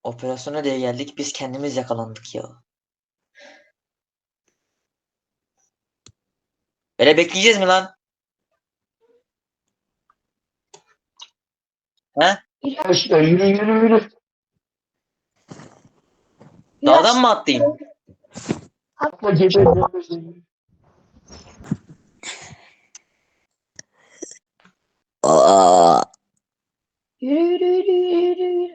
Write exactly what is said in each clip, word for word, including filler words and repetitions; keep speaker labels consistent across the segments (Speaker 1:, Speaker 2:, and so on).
Speaker 1: Operasyona diye geldik. Biz kendimiz yakalandık ya. Böyle bekleyeceğiz mi lan? He?
Speaker 2: İlaç, yürü yürü yürü.
Speaker 1: Dağdan
Speaker 2: İlaç,
Speaker 1: mı atlayayım?
Speaker 2: atla geberdim.
Speaker 1: Aa.
Speaker 2: Yürü yürü yürü yürü yürü.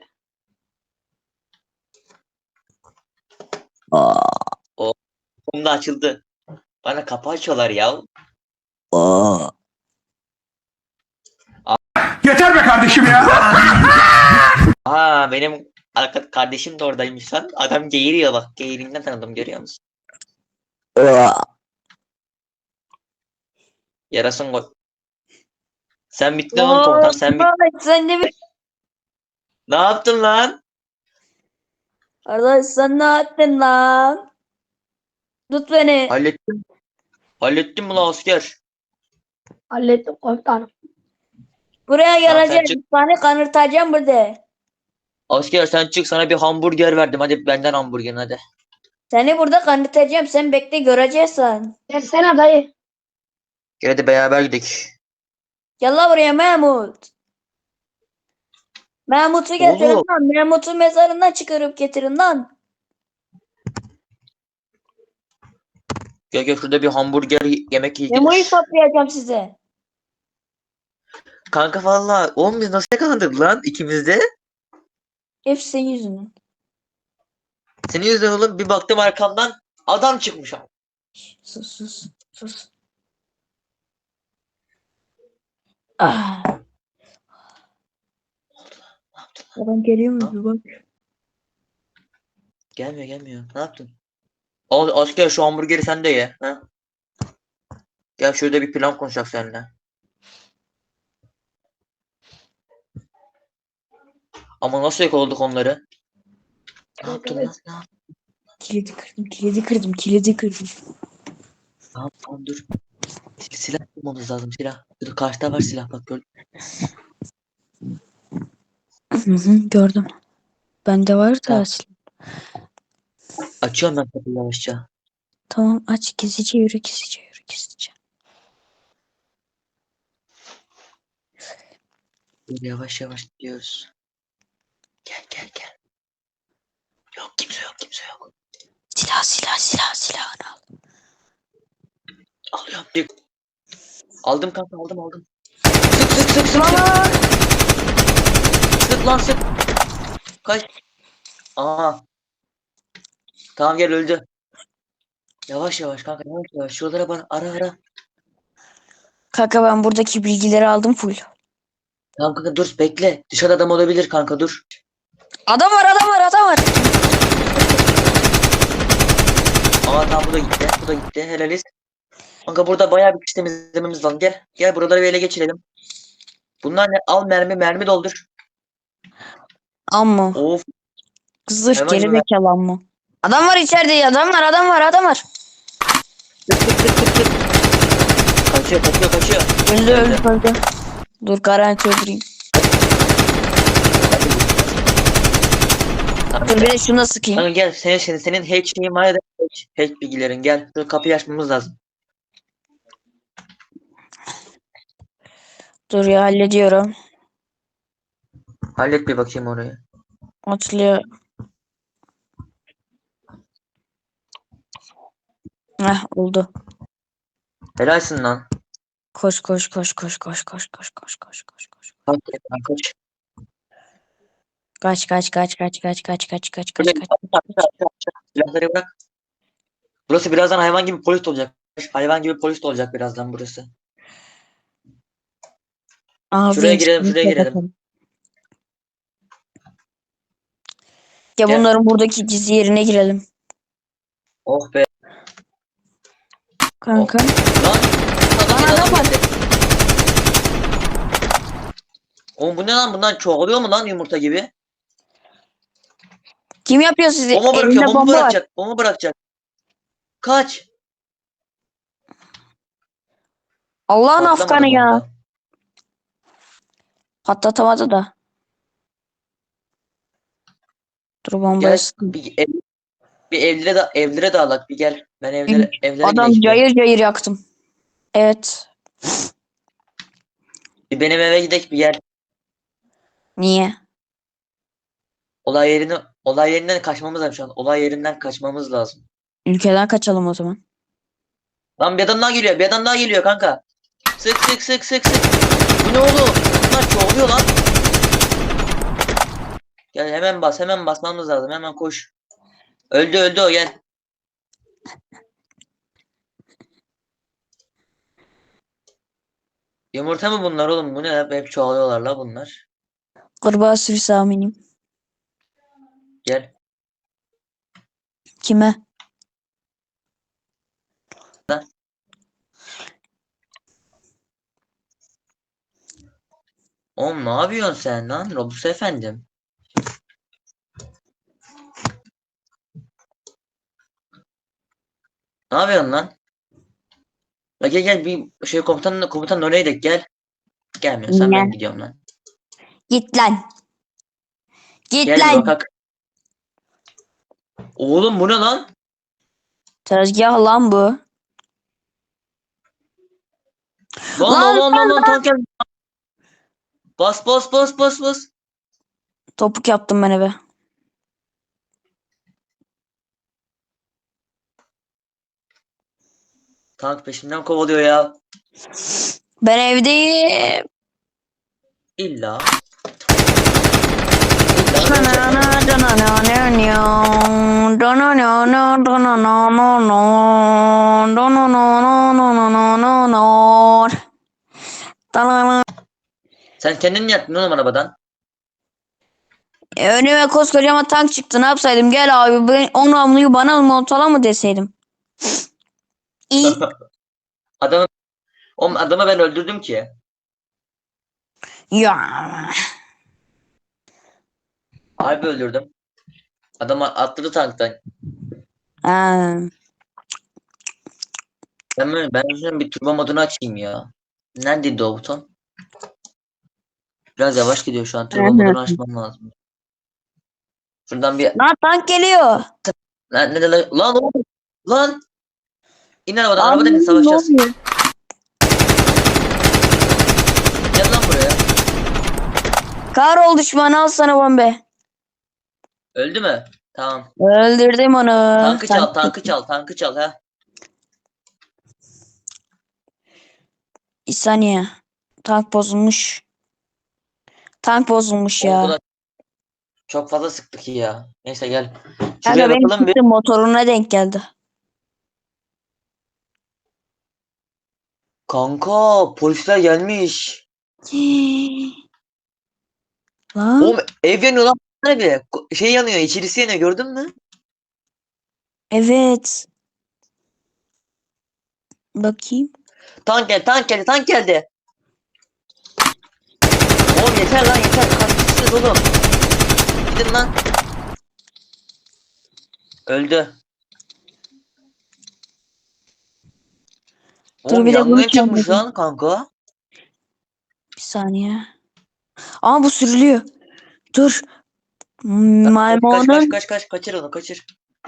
Speaker 1: Aa. O kumda açıldı. Bana kapı açıyorlar ya. Aa.
Speaker 3: Yeter be kardeşim ya.
Speaker 1: Aa, benim arka kardeşim de oradaymış lan. Adam geğiriyor bak. Geğirinden tanıdım, görüyor musun? Aa. Yarasın gol. Sen bittin oğlum komutan. Sen bit.
Speaker 4: Arkadaş sen ne bir...
Speaker 1: Ne yaptın lan?
Speaker 4: Arkadaş sen ne yaptın lan? Tut beni.
Speaker 1: Hallettim. Hallettim mi lan asker?
Speaker 2: Hallettim komutanım.
Speaker 4: Buraya
Speaker 1: Tamam, sen
Speaker 4: geleceğim.
Speaker 1: çık.
Speaker 4: Bir tane kanırtacağım burada.
Speaker 1: Asker sen çık, sana bir hamburger verdim. Hadi benden hamburgerin hadi.
Speaker 4: Seni burada kanırtacağım. Sen bekle göreceksin.
Speaker 2: Versene dayı.
Speaker 1: Gel hadi beraber gidelim.
Speaker 4: Gel lan buraya Mahmut. Mahmut'u getirin
Speaker 1: Oğlum.
Speaker 4: lan. Mahmut'u mezarından çıkarıp getirin lan.
Speaker 1: Gel gel, şurada bir hamburger yemek
Speaker 4: Memo'yu
Speaker 1: yiyeceğiz.
Speaker 4: toplayacağım size.
Speaker 1: Kanka valla oğlum biz nasıl yakalandık lan ikimiz de?
Speaker 4: Hepsi senin yüzünden.
Speaker 1: Senin yüzünden oğlum, bir baktım arkamdan adam çıkmış abi.
Speaker 4: Sus sus sus. Ah. Adam geliyor mu bir bak.
Speaker 1: Gelmiyor gelmiyor. Ne yaptın? Al asker, şu hamburgeri sen de ye. Ha? Gel şurada bir plan konuşacak seninle. Ama nasıl yakaladık onları? Ne yaptın lan? Ne yaptın?
Speaker 4: Kilidi kırdım kilidi kırdım kilidi kırdım.
Speaker 1: Tamam tamam dur. Sil- Silah bulmamız lazım, silah. Dur, karşıda var silah, bak gör.
Speaker 4: Hı hı, gördüm. Bende var da
Speaker 1: Tamam.
Speaker 4: aslında.
Speaker 1: Açıyorum ben kapıyı yavaşça.
Speaker 4: Tamam aç gizlice yürü gizlice yürü gizlice.
Speaker 1: Dur, yavaş yavaş gidiyoruz. Gel gel gel. Yok kimse yok kimse yok.
Speaker 4: Silah silah silah silahını al.
Speaker 1: Alıyorum. Bir. Aldım kanka, aldım aldım. Sık sık sık sık sık. Sık lan sık. Kaç. Aa. Tamam gel, öldü. Yavaş yavaş kanka, yavaş yavaş. Şuralara bana ara ara.
Speaker 4: Kanka ben buradaki bilgileri aldım full.
Speaker 1: Tamam kanka dur bekle. Dışarıda adam olabilir kanka, dur.
Speaker 4: Adam var adam var adam var.
Speaker 1: Aa tamam, bu da gitti. Bu da gitti. Helaliz. Kanka burada bayağı bir iş temizlememiz lazım. Gel. Gel buraları bir ele geçirelim. Bunlar ne? Al mermi mermi doldur.
Speaker 4: Amma.
Speaker 1: Of.
Speaker 4: Zırh
Speaker 1: Hemen
Speaker 4: geri
Speaker 1: gibi.
Speaker 4: zekalı amma. Adam var içeride adam var adam var adam var.
Speaker 1: Tık tık tık tık tık. Kaçıyor kaçıyor kaçıyor.
Speaker 4: Öldü öldü öldü. Dur garanti öldüreyim.
Speaker 1: Tamam,
Speaker 4: Dur
Speaker 1: gel.
Speaker 4: bir de şuna sıkayım.
Speaker 1: Kanka gel. Senin, senin, senin hack şeyin var ya da hack, hack bilgilerin. Gel. Dur, kapıyı açmamız lazım.
Speaker 4: Dur ya hallediyorum.
Speaker 1: Hallet bir bakayım orayı.
Speaker 4: Açılıyor. Heh oldu.
Speaker 1: Helalsin lan.
Speaker 4: Koş koş koş koş koş koş koş koş koş koş koş.
Speaker 1: Kaç lan, kaç.
Speaker 4: Kaç kaç kaç kaç kaç kaç kaç kaç
Speaker 1: Böyle
Speaker 4: kaç kaç.
Speaker 1: aşağı, aşağı, aşağı, aşağı. Silahları bırak. Burası birazdan hayvan gibi polis olacak. Hayvan gibi polis olacak birazdan burası.
Speaker 4: Ağzı
Speaker 1: Şuraya girelim,
Speaker 4: inşallah
Speaker 1: şuraya girelim.
Speaker 4: kapatalım. Ya
Speaker 1: Gel.
Speaker 4: bunların buradaki gizli yerine girelim.
Speaker 1: Oh be.
Speaker 4: Kanka.
Speaker 1: Lan. Adam,
Speaker 4: Lan adam var.
Speaker 1: geldi. Oğlum bu ne lan? Bundan çoğalıyor mu lan yumurta gibi?
Speaker 4: Kim yapıyor sizi?
Speaker 1: Bomba bırakıyor.
Speaker 4: Elinde
Speaker 1: Bomba
Speaker 4: bomba var.
Speaker 1: bırakacak. Bomba bırakacak. Kaç.
Speaker 4: Allah'ın
Speaker 1: Patlamadı
Speaker 4: afganı ya.
Speaker 1: bomba.
Speaker 4: Patlatamadı da. Dur bombayı
Speaker 1: Gel
Speaker 4: sıktım.
Speaker 1: bir, ev, bir evlere de evlere dağılak bir gel. Ben evlere evlere
Speaker 4: Adam
Speaker 1: gideyim. bir.
Speaker 4: cayır cayır yaktım. Evet.
Speaker 1: Bir benim eve gidelim bir gel.
Speaker 4: Niye?
Speaker 1: Olay yerini olay yerinden kaçmamız lazım şu an. Olay yerinden kaçmamız lazım.
Speaker 4: Ülkeden kaçalım o zaman.
Speaker 1: Lan bir adam daha geliyor. Bir adam daha geliyor kanka. Sık sık sık sık sık. Bu ne oğlum? Bunlar çoğuluyor lan. Gel hemen bas. Hemen basmamız lazım. Hemen koş. Öldü öldü o gel. Yumurta mı bunlar oğlum? Bu ne? Hep, hep çoğalıyorlar la bunlar.
Speaker 4: Kurbağa sürüsü aminim.
Speaker 1: Gel.
Speaker 4: Kime?
Speaker 1: Oğlum ne yapıyorsun sen lan? Robus efendim. Ne yapıyorsun lan? La gel gel bir şey komutanla komutan oraya gidelim gel. Gelmiyorsan
Speaker 4: Ne?
Speaker 1: ben gidiyorum lan.
Speaker 4: Git lan. Git
Speaker 1: Gel bir
Speaker 4: lan.
Speaker 1: bakak. Oğlum bu ne lan?
Speaker 4: Tezgah lan bu.
Speaker 1: Lan
Speaker 4: Lan
Speaker 1: lan lan lan lan tank geldi. Bas bas bas bas bas.
Speaker 4: topuk yaptım ben eve.
Speaker 1: Tank peşimden kovalıyor ya.
Speaker 4: Ben evdeyim.
Speaker 1: İlla. Sen kendin yattın oğlum arabadan.
Speaker 4: E, önüme koskocaman tank çıktı. Ne yapsaydım? Gel abi ben, o namluyu bana mı motola mı deseydim? İyi.
Speaker 1: Adamı, oğlum adamı ben öldürdüm ki.
Speaker 4: Ya.
Speaker 1: Harbi öldürdüm. Adam atladı tanktan.
Speaker 4: Ha.
Speaker 1: Ben böyle, ben şunun bir turbo modunu açayım ya. Neredeydi o buton? Biraz yavaş gidiyor şu an. Turbo modunu açmam lazım. Şuradan bir
Speaker 4: Lan tank geliyor.
Speaker 1: lan ne de lan lan oğlum. Lan İn arabadan
Speaker 4: Abi,
Speaker 1: arabadan in
Speaker 4: ne
Speaker 1: savaşacağız.
Speaker 4: oluyor?
Speaker 1: Gel lan buraya.
Speaker 4: Kahrol düşmanı al sana bombe.
Speaker 1: Öldü mü? Tamam.
Speaker 4: Öldürdüm onu.
Speaker 1: Tankı
Speaker 4: Sen-
Speaker 1: çal, tankı çal, tankı çal ha.
Speaker 4: Bir saniye. Tank bozulmuş. Tank bozulmuş
Speaker 1: Oğlum bu
Speaker 4: ya.
Speaker 1: da çok fazla sıktık ya. Neyse gel.
Speaker 4: Kanka
Speaker 1: Şuraya
Speaker 4: benim
Speaker 1: bakalım bir.
Speaker 4: çıktığım motoruna denk geldi.
Speaker 1: Kanka polisler gelmiş.
Speaker 4: Lan.
Speaker 1: Oğlum ev yanıyor lan. Bile. Şey yanıyor, içerisi yanıyor gördün mü?
Speaker 4: Evet. Bakayım.
Speaker 1: Tank geldi, tank geldi, tank geldi. Oğlum yeter lan yeter. Kaç kişisiniz oğlum? Gidin lan. Öldü.
Speaker 4: Dur,
Speaker 1: Oğlum
Speaker 4: bir de bunu
Speaker 1: yangın çıkmış
Speaker 4: çalmadım.
Speaker 1: lan kanka.
Speaker 4: Bir saniye. Aa bu sürülüyor. Dur.
Speaker 1: Kaç kaç kaç
Speaker 4: Maymunun
Speaker 1: kaç kaç kaçır onu kaçır.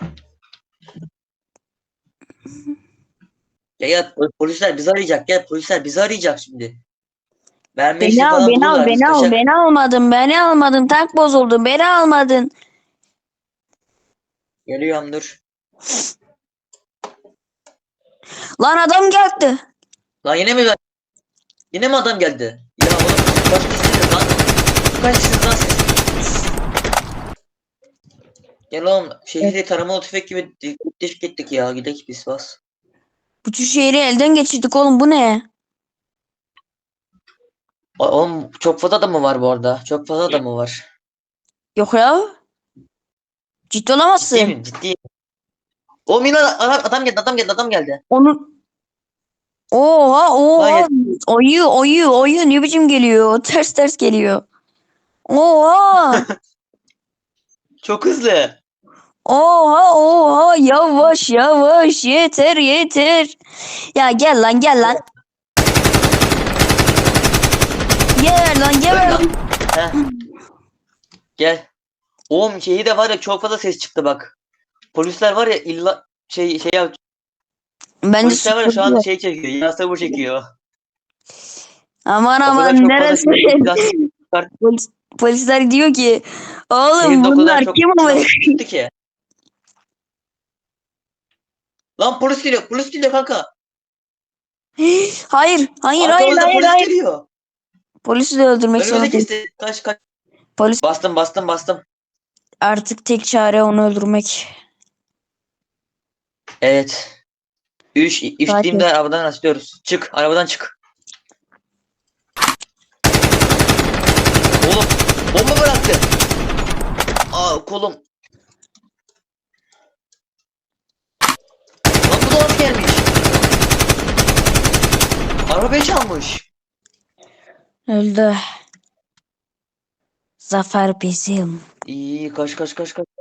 Speaker 1: Ya ya polisler bizi arayacak. Gel polisler bizi arayacak şimdi. Verme işi
Speaker 4: beni al
Speaker 1: falan
Speaker 4: beni al
Speaker 1: bulurlar. Biz
Speaker 4: beni al
Speaker 1: kaçak.
Speaker 4: beni almadın beni almadın tank bozuldu beni almadın.
Speaker 1: Geliyorum dur.
Speaker 4: Lan adam geldi.
Speaker 1: Lan yine mi yine mi adam geldi? Ya oğlum kaç kişisiniz lan? Kaç kişisiniz lan siz? Gel oğlum şehri taramalı tüfek gibi deşik ettik ya. Gidek biz bas.
Speaker 4: Bütün şehri elden geçirdik oğlum bu ne?
Speaker 1: O- Oğlum çok fazla adam mı var bu arada? Çok fazla adam mı var?
Speaker 4: Yok ya. Ciddi olamazsın.
Speaker 1: Ciddi miyim? Ciddi. Oğlum yine adam, adam geldi adam geldi adam geldi.
Speaker 4: Onu Oha oha
Speaker 1: Hayır.
Speaker 4: ayı ayı ayı ne biçim geliyor ters ters geliyor. Oha
Speaker 1: Çok hızlı.
Speaker 4: oha oha yavaş yavaş yeter yeter. Ya gel lan gel lan. Gel lan
Speaker 1: Öl
Speaker 4: gel
Speaker 1: lan.
Speaker 4: lan.
Speaker 1: Heh. Gel. Oğlum şeyi de var ya, çok fazla ses çıktı bak. Polisler var ya, illa şey şey yap.
Speaker 4: Bence
Speaker 1: Polisler var ya şu an
Speaker 4: süpürdüler.
Speaker 1: şey çekiyor. Yine sabır çekiyor.
Speaker 4: Aman
Speaker 1: O kadar
Speaker 4: aman
Speaker 1: çok fazla
Speaker 4: neresi?
Speaker 1: silah silah çıkarttı.
Speaker 4: Polis, polisler diyor ki oğlum
Speaker 1: Şehirde o kadar
Speaker 4: bunlar
Speaker 1: çok
Speaker 4: kim
Speaker 1: silah
Speaker 4: ama?
Speaker 1: çıktı ki. Lan polis geliyor. Polis geliyor kanka.
Speaker 4: Hayır, hayır, hayır,
Speaker 1: Arkamızda
Speaker 4: hayır,
Speaker 1: polis
Speaker 4: hayır.
Speaker 1: geliyor.
Speaker 4: Polisi de öldürmek
Speaker 1: Önümüze
Speaker 4: zorundayım.
Speaker 1: kesti. Kaç kaç.
Speaker 4: Polis
Speaker 1: Bastım bastım bastım.
Speaker 4: artık tek çare onu öldürmek.
Speaker 1: Evet. Üç, üç
Speaker 4: Sakin.
Speaker 1: deyimde arabadan açıyoruz. Çık. Arabadan çık. Oğlum. Bomba bıraktı. Aa kolum. Lan bu da nasıl gelmiş? Arabayı çalmış.
Speaker 4: Öldü. Zafer bizim.
Speaker 1: İyi kaç kaç kaç kaç.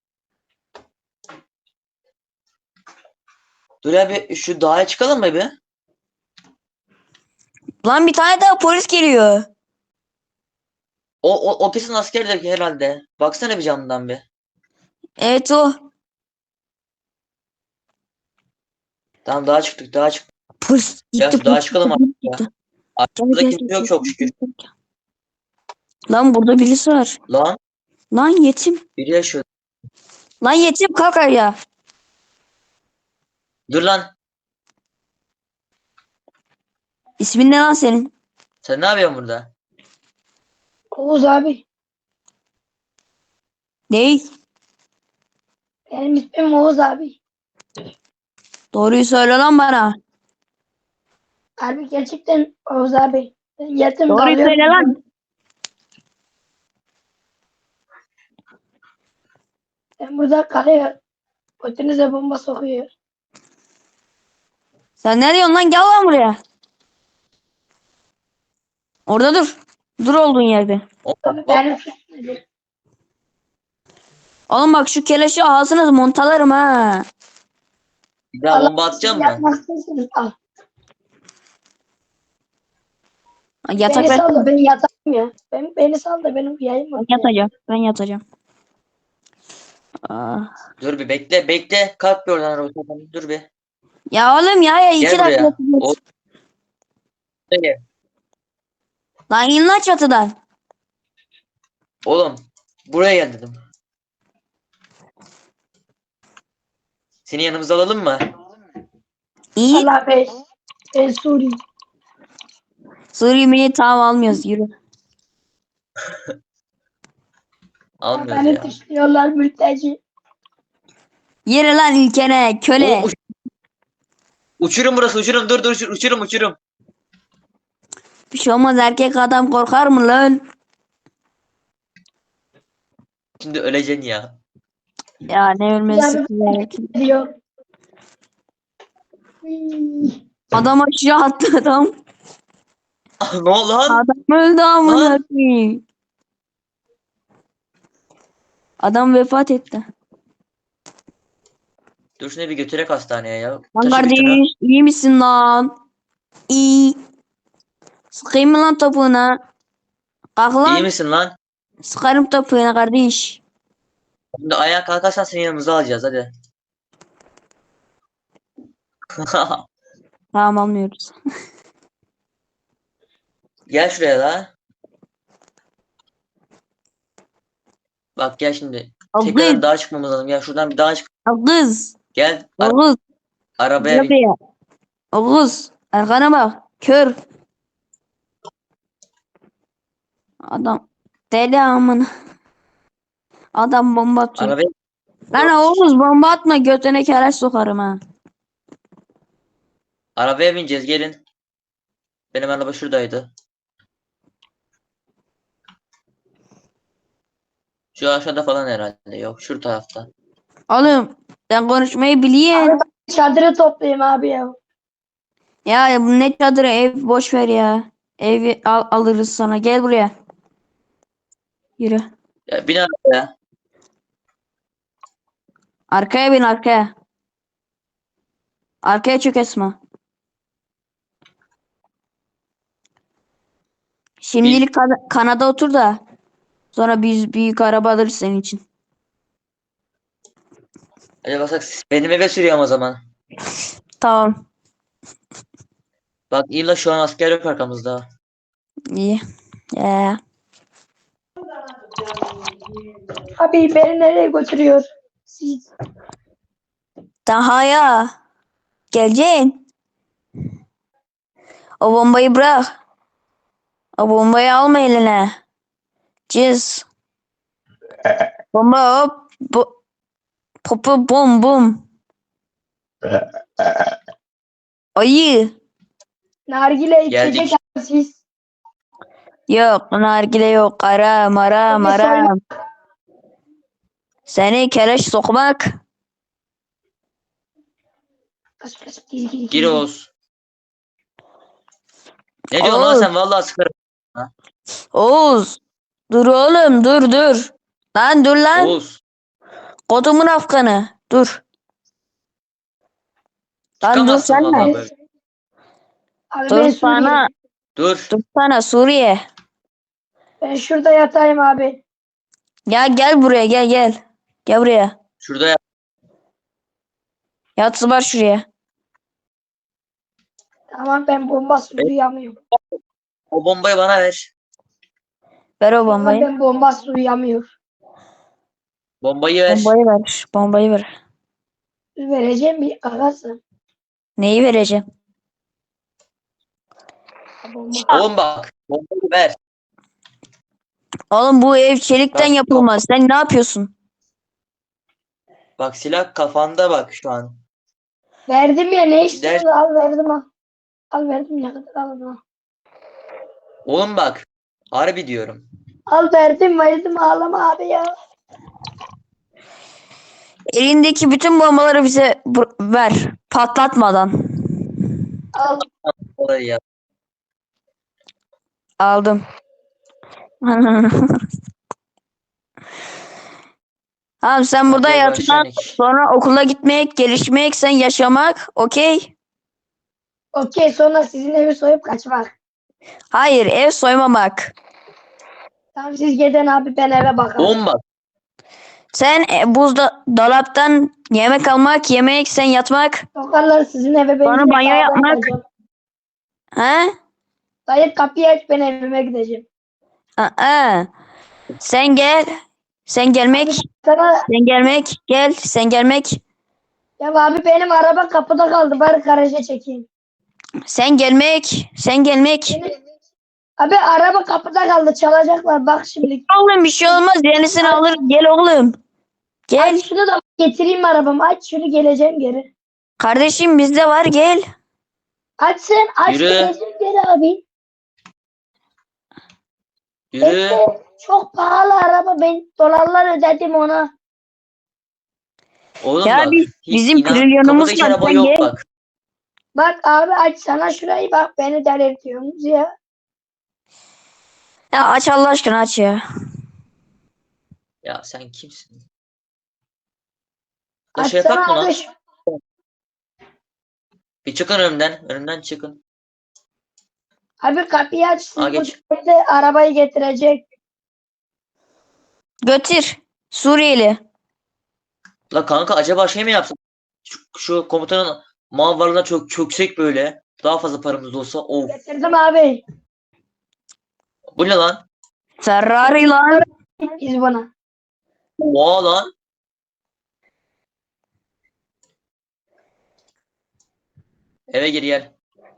Speaker 1: Dur abi şu dağa çıkalım mı bir?
Speaker 4: Lan bir tane daha polis geliyor.
Speaker 1: O, o, o kesin askerdir herhalde. Baksana bir camdan bir.
Speaker 4: Evet o.
Speaker 1: Tamam dağa çıktık dağa çıktık.
Speaker 4: Polis
Speaker 1: Ya
Speaker 4: gitti.
Speaker 1: şu dağa
Speaker 4: Polis
Speaker 1: çıkalım
Speaker 4: gitti.
Speaker 1: artık
Speaker 4: Polis
Speaker 1: ya.
Speaker 4: gitti. Gel
Speaker 1: Arkada
Speaker 4: gel
Speaker 1: kimse
Speaker 4: gel.
Speaker 1: yok çok şükür.
Speaker 4: gel, gel. Lan burada birisi var.
Speaker 1: Lan
Speaker 4: Lan yetim.
Speaker 1: biri yaşıyor.
Speaker 4: Lan yetim kalk ya.
Speaker 1: Dur lan.
Speaker 4: İsmin ne lan senin?
Speaker 1: Sen ne yapıyorsun burada?
Speaker 2: Oğuz abi.
Speaker 4: Ney?
Speaker 2: Benim ismim Oğuz abi.
Speaker 4: Doğruyu söyle lan bana.
Speaker 2: Abi gerçekten Oğuz abi. Ben yetim
Speaker 4: Doğruyu
Speaker 2: dalıyorum.
Speaker 4: söyle lan.
Speaker 2: Ben burada kalıyor. Götünüze bomba sokuyor.
Speaker 4: Sen ne diyorsun lan? Gel lan buraya. Orada dur. Dur olduğun yerde.
Speaker 1: O,
Speaker 2: Abi
Speaker 1: bak,
Speaker 2: benim suçum.
Speaker 4: Oğlum bak şu keleşi ağzınız montalarım ha.
Speaker 1: bir daha bomba atacağım mı?
Speaker 2: Yapmak istiyorsunuz. Al.
Speaker 4: Yatak
Speaker 2: Beni
Speaker 4: ver.
Speaker 2: sal da ben yatayım ya. Ben, beni sal da benim yayım var.
Speaker 4: Ben yatacağım. Ben yatacağım. Ah.
Speaker 1: Dur bir bekle bekle. Kalk bir oradan arabadan. Dur bir.
Speaker 4: Ya oğlum ya, ya iki
Speaker 1: Gel
Speaker 4: dakika.
Speaker 1: buraya.
Speaker 4: yatacağız.
Speaker 1: O, gel.
Speaker 4: Lan in lan çatıdan.
Speaker 1: Oğlum buraya gel dedim. Seni yanımıza alalım mı?
Speaker 2: İyi.
Speaker 4: İyi.
Speaker 2: Allah Bey. Ben Suri.
Speaker 4: Suriye milli tamam almıyoruz. Yürü.
Speaker 1: Almıyoruz
Speaker 2: Beni
Speaker 1: ya.
Speaker 2: dışlıyorlar mülteci.
Speaker 4: Yürü lan ilkene köle.
Speaker 1: Oğlum, uç- uçurum burası uçurum. Dur dur uçur- uçurum uçurum.
Speaker 4: Bir şey olmaz, erkek adam korkar mı lan?
Speaker 1: Şimdi öleceksin ya.
Speaker 4: Ya ne ölmesi
Speaker 2: Yani
Speaker 4: ki?
Speaker 2: diyor. Uy.
Speaker 4: Adam aşağı attı adam.
Speaker 1: Ne oldu lan?
Speaker 4: Adam öldü amına
Speaker 1: Lan.
Speaker 4: koyayım. Adam vefat etti.
Speaker 1: Dur şunu bir götürek hastaneye ya.
Speaker 4: Lan
Speaker 1: Taşı bir
Speaker 4: kardeş
Speaker 1: şunu.
Speaker 4: iyi misin lan? İyi. Sıkayım mı lan topuğuna? Kalk
Speaker 1: İyi
Speaker 4: lan.
Speaker 1: misin lan?
Speaker 4: Sıkarım topuğuna kardeş.
Speaker 1: Şimdi ayağa kalkarsan seni yanımıza alacağız hadi.
Speaker 4: Tamam almıyoruz.
Speaker 1: Gel şuraya da. Bak gel şimdi.
Speaker 4: Al
Speaker 1: Tekrardan
Speaker 4: kız.
Speaker 1: dağa çıkmamız lazım. Gel şuradan bir dağa çık.
Speaker 4: Al kız.
Speaker 1: Gel.
Speaker 4: Al
Speaker 1: Ar-
Speaker 4: kız.
Speaker 1: arabaya bin.
Speaker 4: Buraya. Al kız. Arkana bak. Kör. Adam. Deli amına. Adam bomba atıyor.
Speaker 1: Arabaya.
Speaker 4: Lan Oğuz bomba atma, götüne keleş sokarım ha.
Speaker 1: Arabaya bineceğiz gelin. Benim araba şuradaydı. Şu aşağıda falan herhalde. Yok şu tarafta.
Speaker 4: Oğlum sen konuşmayı biliyorsun.
Speaker 2: Çadırı toplayayım abi ya.
Speaker 4: Ya bu ne çadırı, ev boş ver ya. Evi al, alırız sana. Gel buraya. Yürü.
Speaker 1: Ya bin arabaya.
Speaker 4: Arkaya bin arkaya. Arkaya çök Esma. Şimdilik Kan- Kanada otur da. Sonra biz büyük araba alırız senin için.
Speaker 1: Hadi basak benim eve sürüyorum o zaman.
Speaker 4: Tamam.
Speaker 1: Bak illa şu an asker yok arkamızda.
Speaker 4: İyi. Ee,
Speaker 2: Abi beni nereye götürüyor? Siz.
Speaker 4: daha ya. Geleceksin. O bombayı bırak. O bombayı alma eline. Cız. Bomba hop. Bu. Popu bum bum. Ayı.
Speaker 2: Nargile
Speaker 1: Geldik.
Speaker 2: içecek abi siz.
Speaker 4: Yok. Nargile yok. Aram aram
Speaker 2: Beni soyma.
Speaker 4: aram. Seni keleş sokmak.
Speaker 2: Kaç kaç gir gir
Speaker 1: Gir Oğuz. Ne diyorsun lan
Speaker 4: Oğuz.
Speaker 1: sen? Vallahi sıkarım.
Speaker 4: Oğuz. Dur oğlum dur dur. Lan dur lan.
Speaker 1: Oğuz.
Speaker 4: Kodumun afganı. Dur. Lan dur
Speaker 1: Çıkamazsın
Speaker 4: sen
Speaker 1: vallahi
Speaker 4: de.
Speaker 1: böyle.
Speaker 2: Abi
Speaker 4: Dur
Speaker 2: ben
Speaker 4: sana.
Speaker 2: Suriye.
Speaker 1: Dur.
Speaker 4: Dur sana Suriye.
Speaker 2: Ben şurada yatayım abi.
Speaker 4: Gel gel buraya gel gel. Gel buraya.
Speaker 1: Şurada yap.
Speaker 4: Yat var şuraya.
Speaker 2: Tamam ben bomba duyamıyorum.
Speaker 1: O bombayı bana ver.
Speaker 4: Ver o
Speaker 2: Tamam
Speaker 4: bombayı.
Speaker 2: ben bomba duyamıyorum.
Speaker 1: Bombayı ver.
Speaker 4: Bombayı ver. Bombayı ver.
Speaker 2: Vereceğim bir kakası.
Speaker 4: Neyi vereceğim?
Speaker 2: Bomba.
Speaker 1: Oğlum bak. Bombayı ver.
Speaker 4: Oğlum bu ev çelikten
Speaker 1: Bak,
Speaker 4: yapılmaz. Sen ne yapıyorsun?
Speaker 1: Bak silah kafanda bak şu an.
Speaker 2: Verdim ya ne
Speaker 1: Gider.
Speaker 2: istiyorsun? Al verdim al. Al verdim ne kadar al al.
Speaker 1: Oğlum bak. Harbi diyorum.
Speaker 2: Al verdim verdim ağlama abi ya.
Speaker 4: Elindeki bütün bombaları bize bur- ver. Patlatmadan.
Speaker 2: Al.
Speaker 1: Olayı yap.
Speaker 4: Aldım. Tamam sen burada
Speaker 1: Hadi
Speaker 4: yatmak,
Speaker 1: başlayalım.
Speaker 4: sonra okula gitmek, gelişmek, sen yaşamak, okey?
Speaker 2: Okey sonra sizin evi soyup kaçmak.
Speaker 4: Hayır, ev soymamak.
Speaker 2: Tamam siz gidin abi ben eve bakarım.
Speaker 1: Oğlum bak.
Speaker 4: Sen e, buzda dolaptan yemek almak, yemek, sen yatmak.
Speaker 2: Sokarlar sizin eve ben
Speaker 4: Sonra
Speaker 2: direkt
Speaker 4: banyo
Speaker 2: dağdan
Speaker 4: yapmak.
Speaker 2: kaçacağım.
Speaker 4: He?
Speaker 2: Dayı kapıyı aç ben evime gideceğim.
Speaker 4: Aa, sen gel. Sen gelmek,
Speaker 2: Sana
Speaker 4: sen gelmek, gel, sen gelmek.
Speaker 2: ya abi benim araba kapıda kaldı bari garaja çekeyim.
Speaker 4: Sen gelmek, sen gelmek.
Speaker 2: Benim- Abi araba kapıda kaldı çalacaklar bak şimdi.
Speaker 4: Oğlum bir şey olmaz, yenisini alır. Gel oğlum. Gel.
Speaker 2: Aç şunu da getireyim arabamı aç şunu geleceğim geri.
Speaker 4: Kardeşim bizde var, gel.
Speaker 2: Aç sen aç
Speaker 1: Yürü.
Speaker 2: geleceğim geri abi.
Speaker 1: Yürü.
Speaker 2: Bekle. Çok pahalı araba ben dolarlar ödedim ona.
Speaker 1: Oğlum
Speaker 4: Ya
Speaker 1: bak.
Speaker 4: biz-
Speaker 1: hiç
Speaker 4: bizim
Speaker 1: inan-
Speaker 4: trilyonumuz
Speaker 1: kapıda hiç
Speaker 4: var,
Speaker 1: araba
Speaker 4: sen
Speaker 1: yok
Speaker 4: gel.
Speaker 1: bak.
Speaker 2: Bak abi aç sana şurayı bak beni delirtiyorsunuz ya.
Speaker 4: Ya aç Allah aşkına aç ya.
Speaker 1: Ya sen kimsin? La şey
Speaker 2: Açsana
Speaker 1: yapak mı lan?
Speaker 2: abi. şu-
Speaker 1: Bir çıkın önümden. Önümden çıkın.
Speaker 2: Abi kapıyı aç. Siz
Speaker 1: Aa,
Speaker 2: bu
Speaker 1: geç.
Speaker 2: devlete arabayı getirecek.
Speaker 4: Götür. Suriyeli.
Speaker 1: La kanka acaba şey mi yapsak? Şu, şu komutanın mal varlığına çok çöksek böyle. Daha fazla paramız olsa. Of.
Speaker 2: Getirdim abi.
Speaker 1: Bu ne lan?
Speaker 4: Ferrari lan.
Speaker 2: Biz buna.
Speaker 1: Oha lan. Eve gir gel.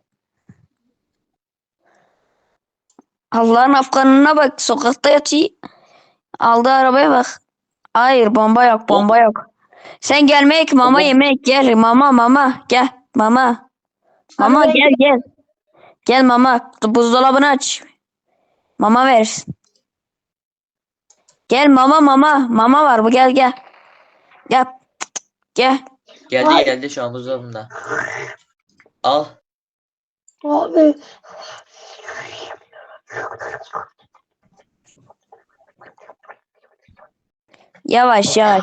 Speaker 4: Allah'ın afganına bak. Sokakta yatıyor. Aldığı arabaya bak. Hayır bomba yok bomba yok. Sen gelmek mama
Speaker 1: Bom-
Speaker 4: yemek gel. Mama mama gel. Mama. Mama
Speaker 2: Abi ben-
Speaker 4: gel gel. Gel mama. Buzdolabını aç. Mama ver. Gel mama mama. Mama var bu gel gel. Gel. Gel.
Speaker 1: Geldi
Speaker 2: Ay.
Speaker 1: geldi şu an buzdolabında. Al.
Speaker 2: Abi.
Speaker 4: Yavaş yavaş.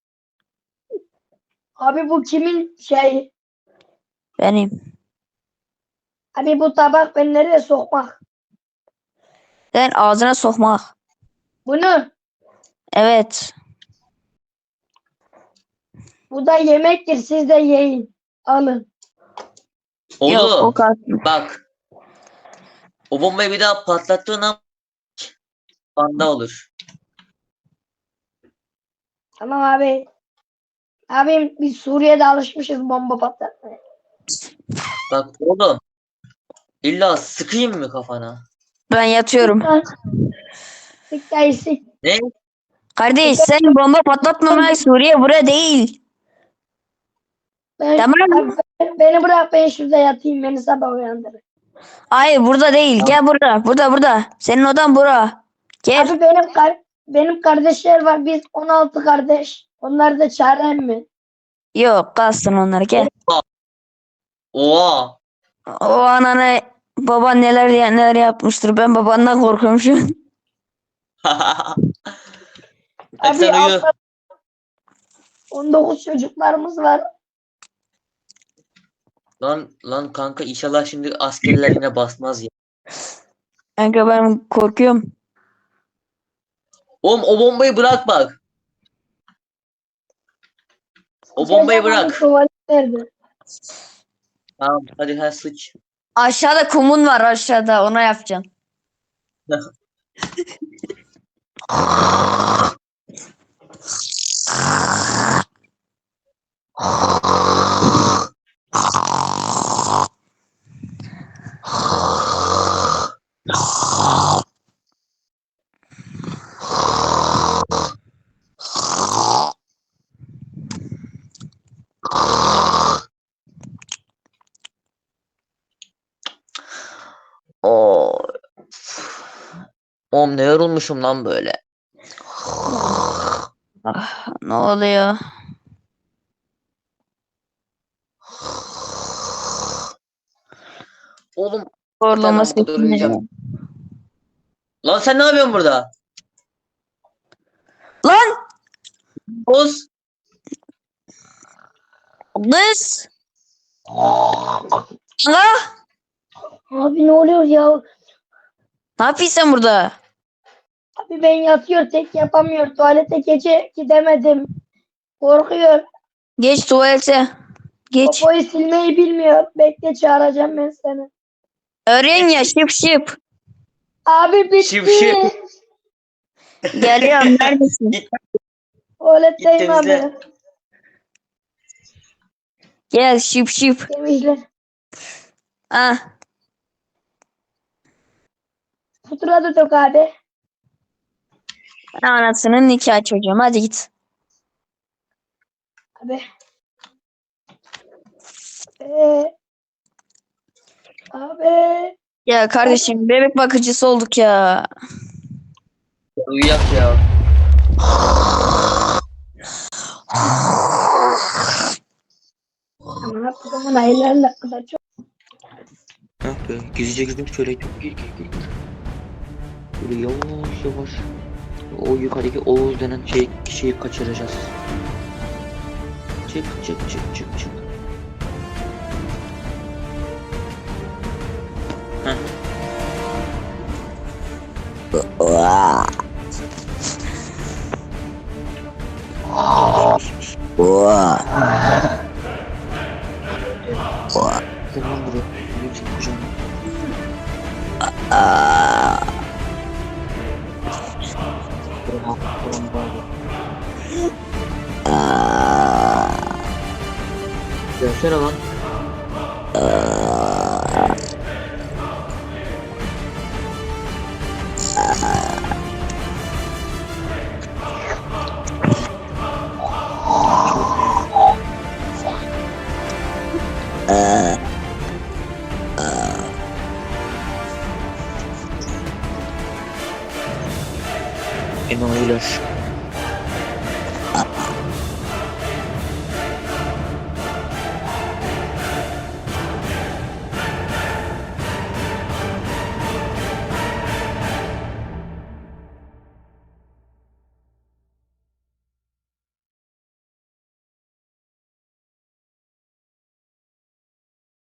Speaker 2: Abi bu kimin şey?
Speaker 4: Benim.
Speaker 2: Abi bu tabak ben nereye sokmak?
Speaker 4: Sen ağzına sokmak.
Speaker 2: Bunu.
Speaker 4: Evet.
Speaker 2: Bu da yemektir. Siz de yiyin. Alın.
Speaker 4: Yok o
Speaker 1: Oğlum
Speaker 4: kalsın.
Speaker 1: bak. O bombayı bir daha patlattığın an banda olur.
Speaker 2: Tamam abi. Abim biz Suriye'de alışmışız bomba patlatmaya.
Speaker 1: Bak oğlum. İlla sıkayım mı kafana?
Speaker 4: Ben yatıyorum.
Speaker 2: Sık dayı sık.
Speaker 1: Ne?
Speaker 4: Kardeş sen bomba patlatmamaya Suriye bura değil.
Speaker 2: Ben,
Speaker 4: Tamam.
Speaker 2: abi, ben- beni bırak ben şurada yatayım. Beni sabah uyandırın.
Speaker 4: Hayır burada değil. Gel burada. Burada burada. Senin odan bura. Gel.
Speaker 2: Abi benim kar benim kardeşler var. Biz on altı kardeş. Onları da çağırayım mı?
Speaker 4: Yok kalsın onlar gel.
Speaker 1: Oha.
Speaker 4: O anana baban neler neler yapmıştır. Ben babandan korkuyorum şu an.
Speaker 1: Hadi sen uyu.
Speaker 2: altta on dokuz çocuklarımız var.
Speaker 1: Lan lan kanka inşallah şimdi askerler yine basmaz ya.
Speaker 4: Kanka ben korkuyorum.
Speaker 1: Oğlum o bombayı bırak bak. O bombayı bırak.
Speaker 2: Tuvalet nerede?
Speaker 1: Tamam hadi ha sıç.
Speaker 4: Aşağıda kumun var aşağıda. Ona yapacağım.
Speaker 1: Oo. Oğlum ne yorulmuşum lan böyle.
Speaker 4: Ah, ne oluyor?
Speaker 1: Oğlum
Speaker 4: Horlama
Speaker 1: Tamam, burada
Speaker 4: sesi ne?
Speaker 1: uyuyacağım. lan sen ne yapıyorsun burada?
Speaker 4: Lan
Speaker 1: Boz.
Speaker 4: kız. Kanka
Speaker 2: Abi ne oluyor ya?
Speaker 4: ne yapıyorsun sen burada?
Speaker 2: Abi ben yatıyor tek yapamıyor. Tuvalete gece gidemedim. Korkuyor.
Speaker 4: Geç tuvalete. Geç.
Speaker 2: Popoyu silmeyi bilmiyor. Bekle çağıracağım ben seni.
Speaker 4: Öğren ya şıp şıp.
Speaker 2: Abi bitti.
Speaker 1: Şıp şıp.
Speaker 4: Geliyorum neredesin?
Speaker 2: Tuvaletteyim
Speaker 1: Git
Speaker 2: abi.
Speaker 1: temizle.
Speaker 4: Gel şıp şıp.
Speaker 2: Temizle.
Speaker 4: Ah.
Speaker 2: Putra da dök abi.
Speaker 4: Anasının nikah çocuğum. Hadi git.
Speaker 2: Abi. Ee, abi.
Speaker 4: Ya kardeşim bebek bakıcısı olduk ya.
Speaker 1: Uyuyak ya.
Speaker 2: Aman Abdülhamın hayırlarla kadar çok.
Speaker 1: Yok be, gizlice gidip şöyle çok gir gir gir. Böyle yavaş yavaş. O yukarıdaki Oğuz denen şey, kişiyi kaçıracağız. Çık çık çık çık çık. Heh. Gel lan buraya. Benim seni kucağıma. Buraya, buram bağlı. Gelsene lan. Enayiler.